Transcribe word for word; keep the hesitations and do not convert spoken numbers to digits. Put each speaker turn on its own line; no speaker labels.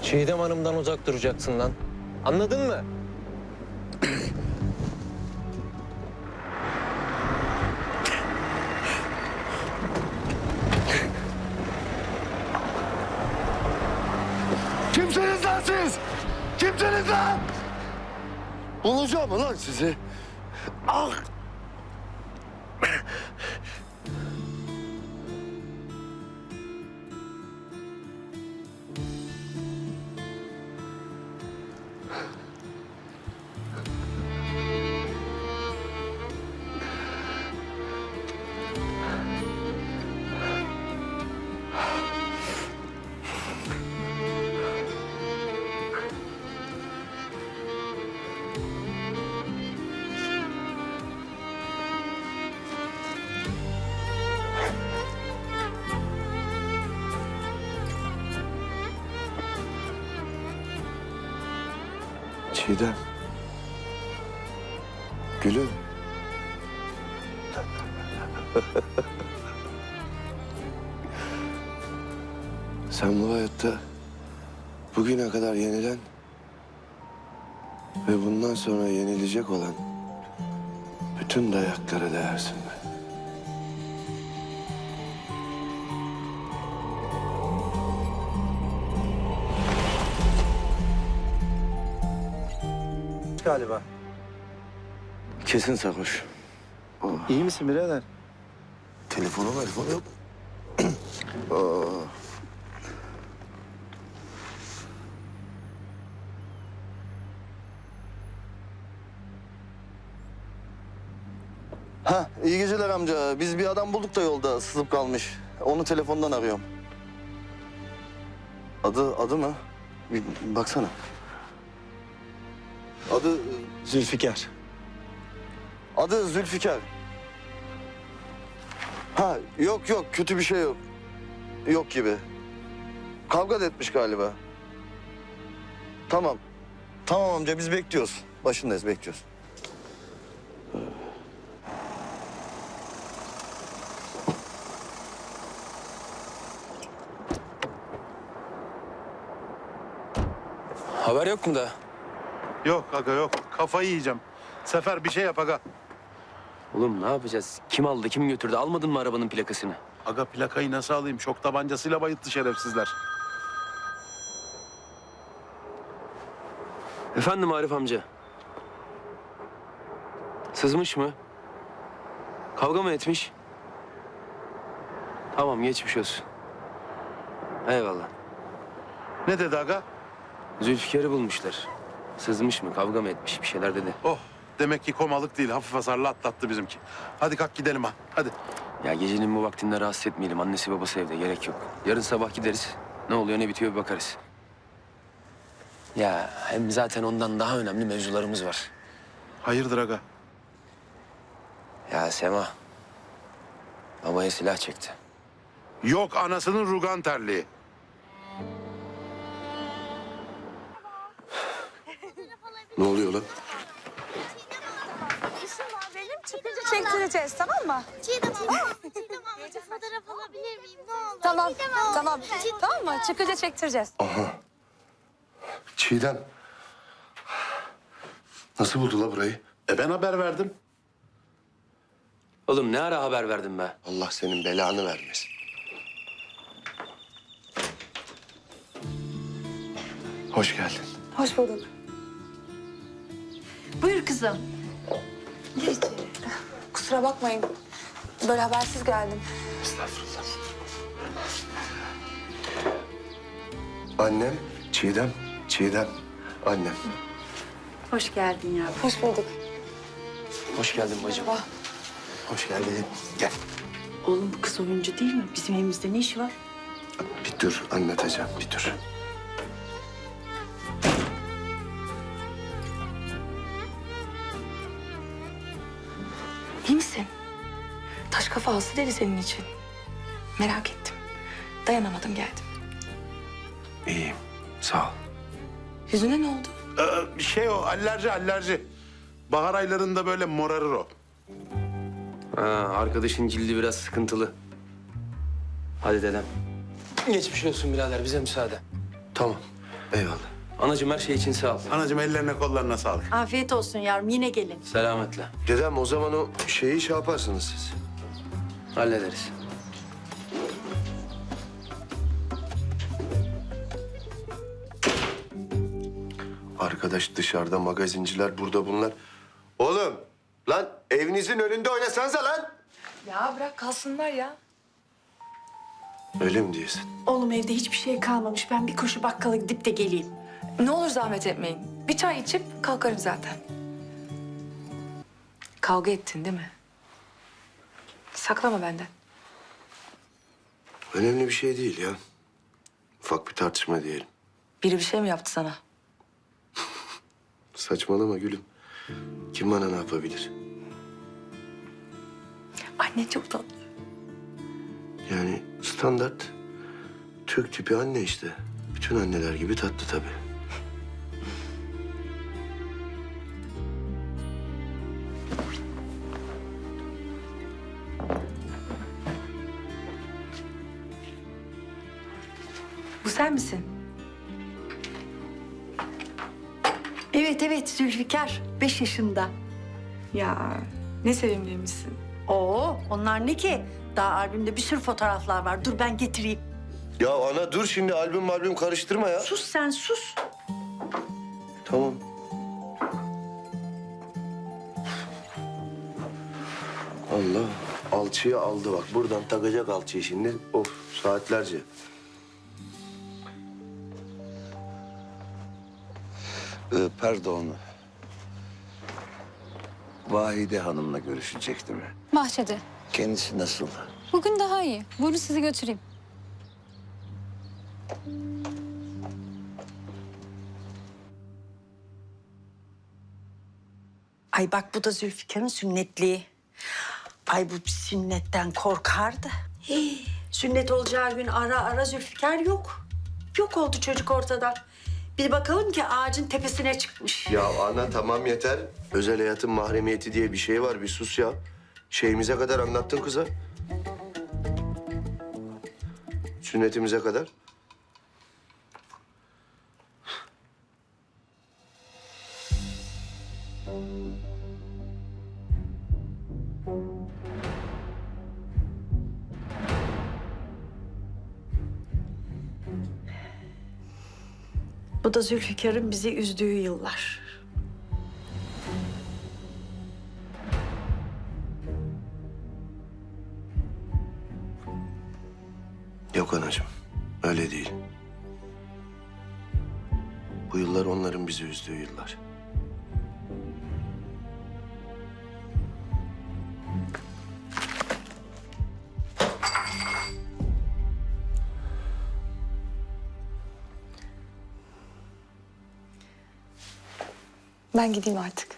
Çiğdem Hanım'dan uzak duracaksın lan. Anladın mı?
Kimsiniz lan siz? Kimsiniz lan? Bulacağım lan sizi. Ah! Çiğdem. Gülüm. Sen bu hayatta bugüne kadar yenilen ve bundan sonra yenilecek olan bütün dayaklara değersin be.
Galiba.
Kesin sarhoş.
İyi misin birader?
Telefonu telefonu yok. Aa.
Ha, iyi geceler amca. Biz bir adam bulduk da yolda sızıp kalmış. Onu telefondan arıyorum. Adı adı mı? Bir baksana. Adı
Zülfikar.
adı Zülfikar. Ha, yok yok kötü bir şey yok. Yok gibi. Kavga da etmiş galiba. Tamam. Tamam amca biz bekliyoruz. Başındayız bekliyoruz.
Haber yok mu da?
Yok aga yok. Kafayı yiyeceğim. Sefer bir şey yap aga.
Oğlum ne yapacağız? Kim aldı, kim götürdü? Almadın mı arabanın plakasını?
Aga plakayı nasıl alayım? Şok tabancasıyla bayılttı şerefsizler.
Efendim Arif amca. Sızmış mı? Kavga mı etmiş? Tamam, geçmiş olsun. Eyvallah.
Ne dedi aga?
Zülfikar'ı bulmuşlar. Sızmış mı, kavga mı etmiş, bir şeyler dedi.
Oh, demek ki komalık değil. Hafif hasarlı atlattı bizimki. Hadi kalk gidelim ha. Hadi.
Ya gecenin bu vaktinde rahatsız etmeyelim. Annesi babası evde, gerek yok. Yarın sabah gideriz. Ne oluyor, ne bitiyor bir bakarız. Ya hem zaten ondan daha önemli mevzularımız var.
Hayırdır aga?
Ya Sema, babaya silah çekti.
Yok anasının rugan terliği.
Ne oluyor lan?
İşim var benim. Çıkınca çektireceğiz, tamam mı?
Çiğdem abla, Çiğdem ablacığım fotoğraf alabilir miyim? Ne olur.
Tamam,
Çiğdem abla.
tamam.
Çiğdem
Tamam mı?
abla.
Çıkınca çektireceğiz.
Aha. Çiğdem. Nasıl buldu la burayı?
E ben haber verdim.
Oğlum ne ara haber verdin be?
Allah senin belanı vermesin. Hoş geldin.
Hoş bulduk.
Buyur kızım.
Hiç. Kusura bakmayın. Böyle habersiz geldim.
Estağfurullah. Annem, Çiğdem, Çiğdem, annem.
Hoş geldin yavrum.
Hoş bulduk.
Hoş geldin bacım.
Baba.
Hoş geldin. Gel.
Oğlum bu kız oyuncu değil mi? Bizim evimizde ne işi var?
Bir dur, anlatacağım, bir dur.
İyi misin? Taş kafa hasta dedi senin için. Merak ettim. Dayanamadım geldim.
İyiyim, sağ ol.
Yüzüne ne oldu?
Ee, şey o alerji alerji. Bahar aylarında böyle morarır o.
Ha, arkadaşın cildi biraz sıkıntılı. Hadi dedem. Geçmiş olsun birader, bize müsaade.
Tamam. Eyvallah.
Anacığım her şey için sağ ol.
Anacığım ellerine kollarına sağlık.
Afiyet olsun yavrum yine gelin.
Selametle.
Dedem o zaman o şeyi şey yaparsınız siz.
Hallederiz.
Arkadaş dışarıda magazinciler, burada bunlar. Oğlum lan evinizin önünde oynasanıza lan.
Ya bırak kalsınlar ya.
Öyle mi diyorsun?
Oğlum evde hiçbir şey kalmamış. Ben bir koşu bakkala gidip de geleyim.
Ne olur zahmet etmeyin. Bir çay içip kalkarım zaten. Kavga ettin değil mi? Saklama benden.
Önemli bir şey değil ya. Ufak bir tartışma diyelim.
Biri bir şey mi yaptı sana?
Saçmalama gülüm. Kim bana ne yapabilir?
Anne çok tatlı.
Yani standart Türk tipi anne işte. Bütün anneler gibi tatlı tabii.
Bu sen misin?
Evet evet Zülfikar. Beş yaşında.
Ya ne sevimliymişsin.
Oo onlar ne ki? Daha albümde bir sürü fotoğraflar var. Dur ben getireyim.
Ya ana dur şimdi albüm albüm karıştırma ya.
Sus sen sus.
Tamam. Allah alçıyı aldı bak. Buradan takacak alçıyı şimdi. Of saatlerce.
Ee, pardon. Vahide Hanım'la görüşecektim.
Bahçede.
Kendisi nasıl?
Bugün daha iyi. Buyurun sizi götüreyim.
Ay bak bu da Zülfikar'ın sünnetliği. Ay bu sünnetten korkardı. Hii, sünnet olacağı gün ara ara Zülfikar yok. Yok oldu çocuk ortadan. Bir bakalım ki ağacın tepesine çıkmış.
Ya ana tamam yeter. Özel hayatın mahremiyeti diye bir şey var. Bir sus ya. Şeyimize kadar anlattın kıza. Sünnetimize kadar.
Bu da Zülfikar'ın bizi üzdüğü yıllar.
Yok anacığım. Öyle değil. Bu yıllar onların bizi üzdüğü yıllar.
Ben gideyim artık.